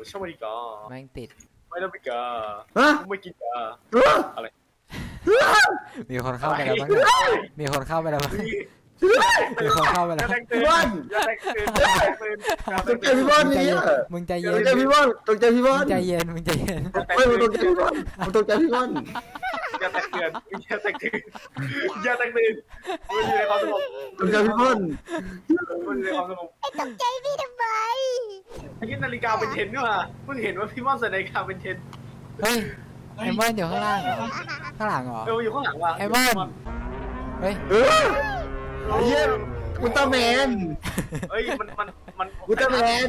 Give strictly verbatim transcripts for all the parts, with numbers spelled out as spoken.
ช่างมันดีกว่าแม่งติดไม่ต้องไปกาไม่กินกาอะไรมีคนเข้าไปแล้วมั้งเนี่ยมีคนเข้าไปแล้วมั้งมีคนเข้าไปแล้วพี่บอลตกใจพี่บอลนี่มึงใจเย็นตกใจพี่บอลตกใจพี่บอลใจเย็นมึงใจเย็นไม่มึงตกใจพี่บอลมึงตกใจพี่บอลอย่าแตกเตือนอย่าแตกเตือนอย่าแตกเตือนมันอยู่ในความสงบตกใจพี่บอลมันอยู่ในความสงบไอ้ตกใจพี่ทำไมไอ้ที่นาฬิกาเป็นเทนด้วยเพิ่งเห็นว่าพี่ม่อนใส่นาฬิกาเป็นเทนเฮ้ยไอ้ม่อนอยู่ข้างล่างเหรอข้างหลังเหรอเอออยู่ข้างหลังว่ะไอ้ม่อนเฮ้ยเออเยี่ยมอุลตร้าแมนเฮ้ยมันมันมันอุลตร้าแมน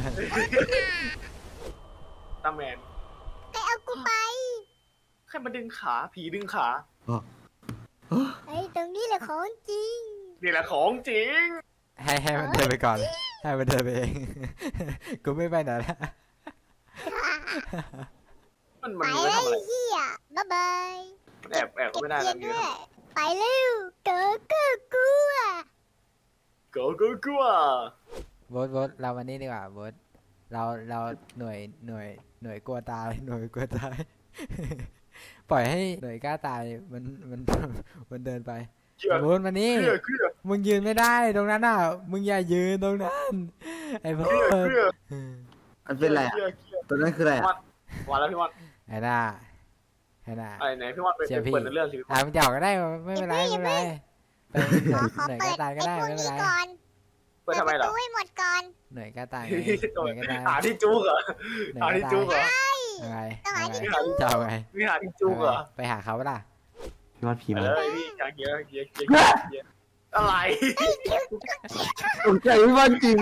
ตาแมนใครเอากูไปใครมาดึงขาผีดึงขาไอ้ตรงนี้แหละของจริงนี่แหละของจริงให้ให้มันเดินไปก่อนให้มันเดินไปเองกูไม่ไปไหนแล้วมันมันไปไม่ทำอะไรเฮียบ๊ายบายแอบแอบก็ไม่ได้แล้วนี่ไปเร็วเก๋เก๋กลัวเก๋เก๋กลัวโบ๊ทโบ๊ทเราวันนี้ดีกว่าโบ๊ทเราเราหน่วยหน่วยหน่วยกลัวตายหน่วยกลัวตายปล่อยให้หน่วยกล้าตายมันมันมันเดินไปโบ๊ทวันนี้มึงยืนไม่ได้ตรงนั้นอ่ะมึงอย่ายืนตรงนั้นไอ้โบ๊ทมันเป็นอะไรอ่ะตัวนั้นคืออะไรอ่ะวันแล้วพี่วันไอ้น่าไอ้น่าไอ้ไหนพี่วันไปเปิดเรื่องสิอ่ะมันจะออกก็ได้ไม่เป็นไรไม่เป็นไรไปหน่วยกล้าตายก็ได้ไม่เป็นไรเปิดทำไมล่ะให้หมดก่อนหน่วยกล้าตายหน่วยกล้าตายหาที่จุกเหรอหาที่จุกเหรออะไรจะเอาไงมีหาที่จุกเหรอไปหาเขาเปล่าพี่วัดผีมาเลยพี่กางเกียร์เกียร์เกียร์อะไรตกใจพี่วัดจริง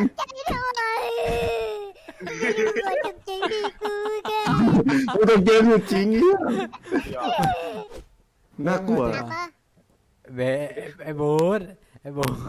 ตกใจดิกูแกตกใจอยู่จริงเนี่ยน่ากลัวเบไอ้บูธไอ้บูธ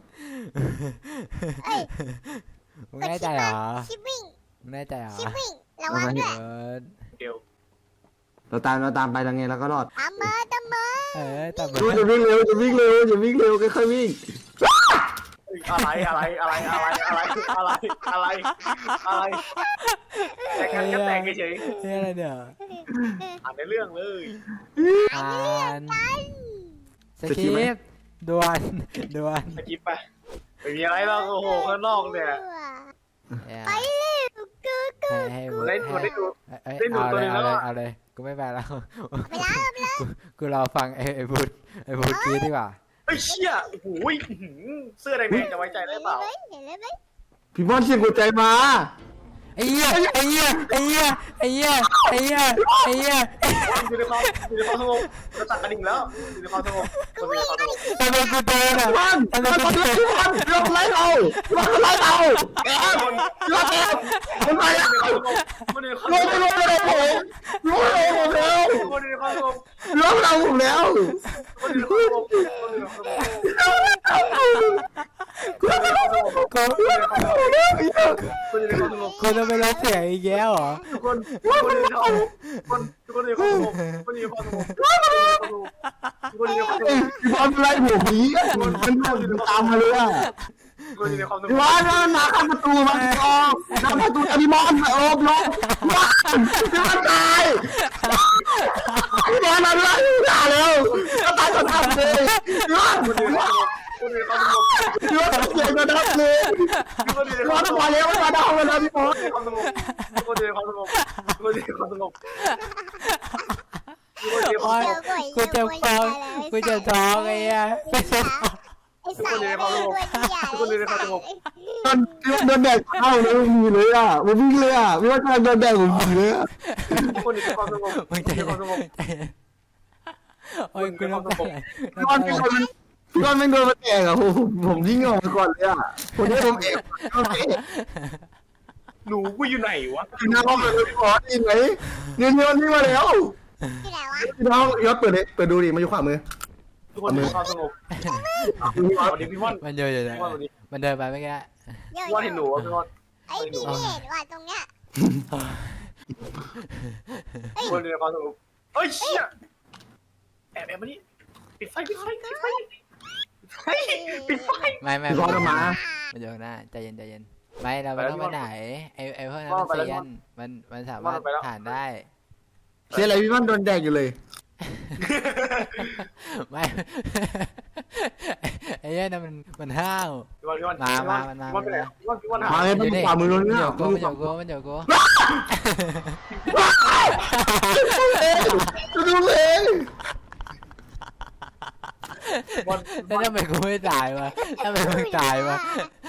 มึงแน่ใจเหรอชิปวิ่งมึงแน่ใจเหรอชิปวิ่งระวังด้วยเดี๋ยวเราตามเราตามไปยังไงเราก็รอดตามมาตามมาเออตามมาจะวิ่งเร็วจะวิ่งเร็วจะวิ่งเร็วค่อยๆวิ่งอะไรอะไรอะไรอะไรอะไรอะไรอะไรอะไรแต่กันก็แต่งเฉยๆนี่อะไรเนี่ยอ่านในเรื่องเลยอ่านสคริปต์ด่วนด่วนสคริปต์ไปไม่มีอะไรแล้วโอ้โหข้างนอกเนี่ยไปเลยกูกูได้ดูได้ดูได้ดูตัวนึงแล้วเอาเลยกูไม่ไปแล้วไม่ได้ไม่ได้กูรอฟังไอ้ไอ้บูธไอ้บูธกี้ดีกว่าไอ้เชี่ยโอ้โหเสื้อแดงๆจะไว้ใจได้เปล่าพี่บอลเสียงหัวใจมาไอ้เหี้ยไอ้เหี้ยไอ้เหี้ยไอ้เหี้ยไอ้เหี้ยไอ้เหี้ยอยู่ในความอยู่ในความสงบจะตัดกระดิ่งแล้วอยู่ในความสงบอยู่ในความสงบทำไมกูโดนอ่ะทำไมกูโดนพี่บอลลงไล่เราลงไล่เราแอบลงแอบคนไปอ่ะลงลงลงลงผมลงลงผมแล้วลงเราผมแล้วกูกูจะไปร้องเสียงอีกแล้วเหรอทุกคนทุกคนเขาคนทุกคนอยู่ความสงบคนอยู่ความสงบทุกคนอยู่ความสงบพี่บอลไล่ผมนี้มันมันตามมาเลยอ่ะพี่บอลมันมาข้ามประตูมันออกข้ามประตูพี่บอลโอบลงพี่บอลตายพี่บอลมันไล่ด่าแล้วก็ตายก็ทำเลยพี่บอลพี่บอลเสียงก็ดับเลยพี่บอลมาแล้วมาดาวมาแล้วพี่บอลคนอยู่ความสงบคนอยู่ความสงบกูเจ็บคอกูเจ็บท้องไอ้เหี้ยไอ้สายอะไรตัวใหญ่คนอยู่ความสงบตอนโดนแดดเข้าเลยมีเลยอ่ะมันวิ่งเลยอ่ะไม่ว่าจะโดนแดดผมมีเลยอ่ะคนอยู่ความสงบมึงใจความสงบโอ้ยกูน้ำตาไหลพี่บอลพี่บอลพี่บอลไม่โดนมาแตกอ่ะผมผมยิ่งออกมาก่อนเลยอ่ะคนนี้ผมเองหนูกูอยู่ไหนวะน้องเปิดพี่บอลยิงไหมเงินเงินนี่มาแล้วที่ไหนวะน้องยอดเปิดเลยเปิดดูดิมาอยู่ขวามือทุกคนอยู่ความสงบวันนี้พี่ม่อนมันเยอะอยู่เลยมันเดินไปไม่แก่ว่าเห็นหนูวะพี่ม่อนไอ้พี่ไม่เห็นว่าตรงเนี้ยคนอยู่ความสงบเฮ้ยเชี่ยแอบแอบมานี่ปิดไฟปิดไฟปิดไฟปิดไฟไม่ไม่ร้อนมามันเยอะนะใจเย็นใจเย็นไม่เราไม่ต้องไปไหนไอไอพวกนั้นมันเซียนมันมันสามารถผ่านได้เสียอะไรพี่มันโดนแดกอยู่เลยไม่ ไอ้เนี่ยนะมันมันห้าวพี่วันพี่วันมามามันมาพี่วันไปไหนพี่วันพี่วันหามาเลยมันขวามือโดนมันเนี่ยเดี๋ยวกูมันเดี๋ยวกูมันเดี๋ยวกูดูเลยแล้วทำไมกูไม่ตายวะทำไมมึงตายวะ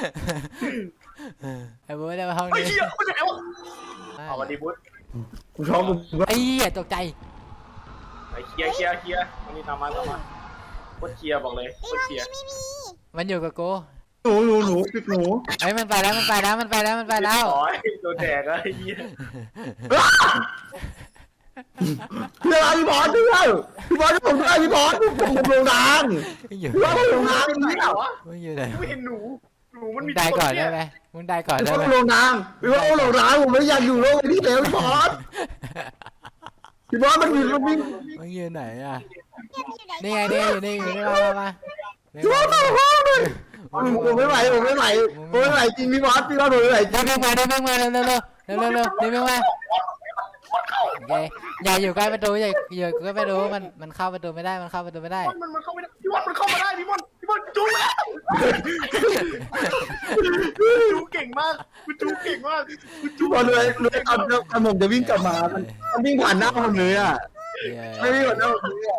ไอ้บุ๊ไม่ได้มาห้องไอ้นี้เหี้ยมันไหนวะเอาวันดีบุ๊กูชอบกูไอ้เหี้ยตกใจไอ้เคลียร์เคลียร์เคลียร์วันนี้ตามมาตามมาโคตรเคลียร์บอกเลยโคตรเคลียร์มันอยู่กับกูหนูหนูหนูปิดหนูไอ้ยมันไปแล้วมันไปแล้วมันไปแล้วมันไปแล้วโอ้ยโดนแดกแล้วไอ้เหี้ยเพื่อนพี่บอลเพื่อนพี่บอลผมด้วยพี่บอลผมผมลงทางมึงอยู่พี่บอลผมลงทางไหนนี่วะมึงอยู่ไหนไม่เห็นหนูหนูมันมึมีงได้ก่อนได้ไหมมึงได้ก่อนพี่ได้บอไหมลลงทางพี่บอลลงทางผมไม่อยากอยู่โลกนี้แล้วพี่บอลพี่บอลมันมีมันมีมึงอยู่ไหนอ่ะเงียบอยู่ไหนนี่ไงนี่อยู่นี่อยู่นี่มามามาพี่บอลมาห้องเลยผมไม่ไหวผมไม่ไหวผมไม่ไหวจริงพี่บอลพี่บอลผมไม่ไหวจริเดี๋ยวงมึงมาเดี๋ยวมึงมาเร็วเร็วเร็วเร็วเร็วเร็วเดี๋ยวมึงมาโอเคอย่าอยู่ใกล้ประตูอย่าอยู่ใกล้ประตูมันมันเข้าประตูไม่ได้มันเข้าประตูไม่ได้มันมันเข้าไม่ได้พี่บอลมันเข้ามาได้พี่บอลพี่บอลจูแล้วจูเก่งมากคุณจูเก่งมากคุณจูพี่บอลเลยเลยเอาเอาผมจะวิ่งกลับมามันมันวิ่งผ่านหน้าผมเลยอ่ะเย้ไม่วิ่งผ่านหน้าผมเลยอ่ะ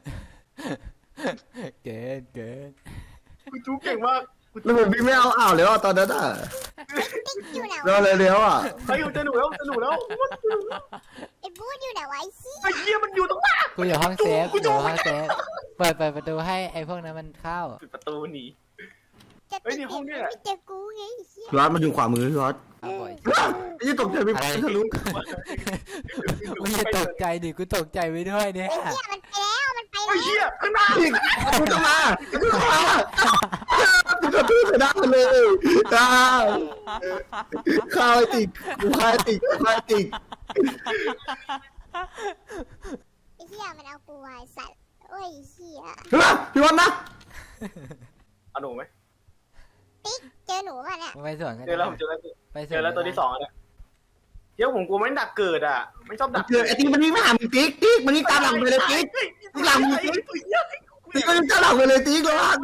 เกินเกินคุณจูเก่งมากแล้วผมวิ่งไม่เอาอ่าวแล้วตอนนั้นอ่ะติ๊กอยู่ไหนรอวะเลยเลี้ยวอ่ะไอ้อยู่เจอหนูแล้วเจอหนูแล้วไอ้บูธอยู่ไหนวะไอ้เหี้ยไอ้เหี้ยมันอยู่ตรงหน้ากูอยู่ห้องเซฟกูอยู่ห้องเซฟเปิดเปิดประตูให้ไอ้พวกนั้นมันเข้าปิดประตูหนีจะเฮ้ติยดนี่ห้องเนี่ยไม่เจอกูไงไอ้เหี้ยพี่วัดมันอยู่ขวามือพี่วัดเอาบ่อยไอ้ยี่ตกใจพี่วัดทะลุมึงจะตกใจดิกูตกใจไปด้วยเนี่ยไอ้เหี้ยมันไปแล้วมันไปไอ้แล้วเหี้ยข้างหน้าพี่กูจะมากูจะมากูจะพูดไปได้เลยอ่าข้าวไอ้ติกกูข้าวไอ้ติกข้าวไอ้ติกไอ้เหี้ยมันเอากูไว้สัตว์โอ้ยไอ้เหี้ยพี่วัดนะเอาหนูไหมติ๊กเจอหนูป่ะเนี่ยมึงไปสวนกันเจอแล้วผมเจอแล้วไปสเจอแล้วตัวที่สองเนี่ยเดี๋ยวผมกลัวมันดักเกิดอ่ะไม่ชอบดักเจอไอ้ติกมันวิ่งมาหามึงติ๊กติ๊กมันวิ่งตามหลังไปเลยติ๊กติ๊กหลังมึงติ๊กติ๊กก็วิ่งตามหลังไปเลยติ๊กระวัง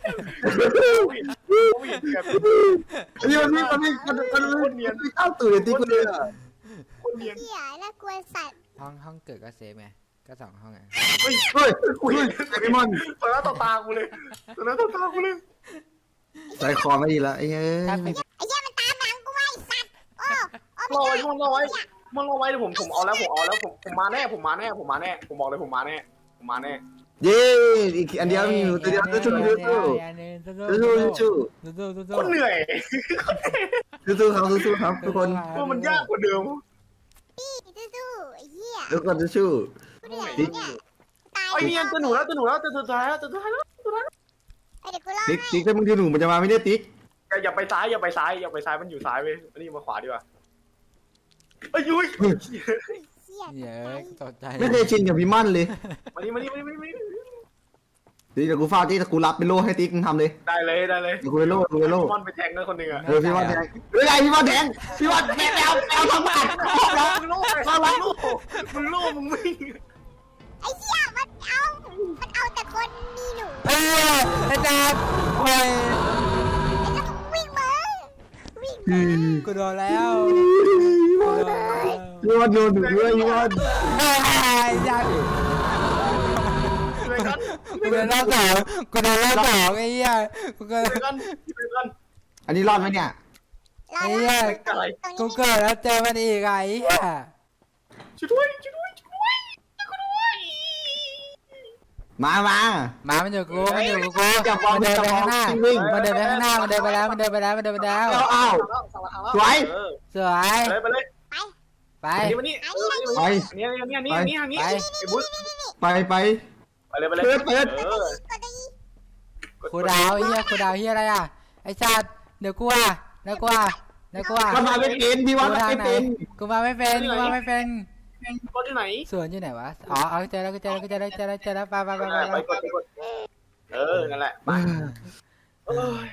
นี่มันวิ่งมันวิ่งมันมันมันวิ่งเข้าตื่นเลยติ๊กเลยอ่ะคนเนียนเหี้ยน่ากลัวสัตว์ห้องห้องเกิดก็เซฟไงก็สองห้องไงเฮ้ยเฮ้ยคุยไอ้พี่มอนตอนนั้นต่อตากูเลยตอนนั้นต่อตากูเลยใจคอไม่ดีละไอ้เฮ้ยถ้าปิดไอ้เหี้ยมันตามหลังกูไว้สัตว์โอ้โอ้รอไม่ไว้ได้มันรอไว้มันรอไว้เดี๋ยวผมผมเอาแล้วผมเอาแล้วผมผมมาแน่ผมมาแน่ผมมาแน่ผมบอกเลยผมมาแน่ผมมาแน่เย้อีกอันเดียวมีอยู่ตัวเดียวสู้สู้สู้ สู้สู้สู้สู้สู้สู้คนเหนื่อยสู้สู้ครับสู้สู้ครับทุกคนว่ามันยากกว่าเดิมพี่สู้ๆไอ้เหี้ยทุกคนสู้สู้กูเหนื่อยแล้วเนี่ยตายไอ้เนียนตัวหนูแล้วตัวหนูแล้วตัวสุดท้ายแล้วตัวสุดท้ายแล้วตัวสุดท้ายแล้วไอ้เดี๋ยวกูรอติ๊กให้ติ๊กถ้ามึงดูหนูมันจะมาไม่ได้ติ๊กอย่าอย่าไปซ้ายอย่าไปซ้ายอย่าไปซ้ายมันอยู่ซ้ายไปอันนี้มาขวาดีกว่าไอ้ยุ้ยเหี้ยเยอะตกใจไม่เคยชินกับพี่มั่นเลยมานี่มานี่มานี่มานี่ติ๊กเดี๋ยวกูฟาดติ๊กแต่กูรับเป็นโล่ให้ติ๊กมึงทำเลยได้เลยได้เลยเดี๋ยวกูเป็นโล่กูเป็นโล่มอนไปแทงเลยคนหนึ่งอ่ะเออพี่มั่นแทงเฮ้ยไงพี่มั่นแทงพี่มั่นแทงแล้วเอาทั้งบ้านมึงโล่มึงโล่มึงโล่มึงวิ่งไอ้เหี้ยมันเอามันเอาแต่คนมีหนูเอ้ยอาจารย์โอ้ยไอ้เจ้าวิ่งมาวิ่งกูโดนแล้วกูโดนแล้วพี่มั่นโดนหนูด้วยพี่มั่นไอ้ยันเลยกันกูโดนรอบสองกูโดนรอบสองไอ้เหี้ยกูเกิดเลยกันเลยกันอันนี้รอดไหมเนี่ยรอไอ้แล้เหี้ยวอะไรตรงกูนี้เกิดแล้วเจอมันอีกไอ้เหี้ยช่วยด้วยช่วยด้วยช่วยด้วยช่วยด้วยมามาหมามันอยู่กูมันอยู่กูอย่ามองมันเดินไปข้างหน้าวิ่งมันเดินไปข้างหน้ามันเดินไปแล้วมันเดินไปแล้วมันเดินไปแล้วเอาเอาสวยสวยเลยไปเลยไปนี่มานี่ไปนี่นี่นี่นี่นี่นี่ไอ้บุ๊ไปไปไปเลยไปเลยเปิดเปิดเออก็ได้ครูดาวไอ้เหี้ยครูดาวเหี้ยอะไรอ่ะไอ้สัตว์เดี๋ยวกูอ่ะเดี๋ยวกูอ่ะเดี๋ยวกูอ่ะก็มาไม่เป็นพี่ว่าไม่เป็นกูมาไม่เป็นกูมาไม่เป็นรถที่ไหนสวนอยู่ไหนวะอ๋อเอาเจอแล้วกูเจอแล้วกูเจอแล้วเจอแล้วเจอแล้วไปไปไปไปไปกดไปกดเออนั่นแหละไปเออ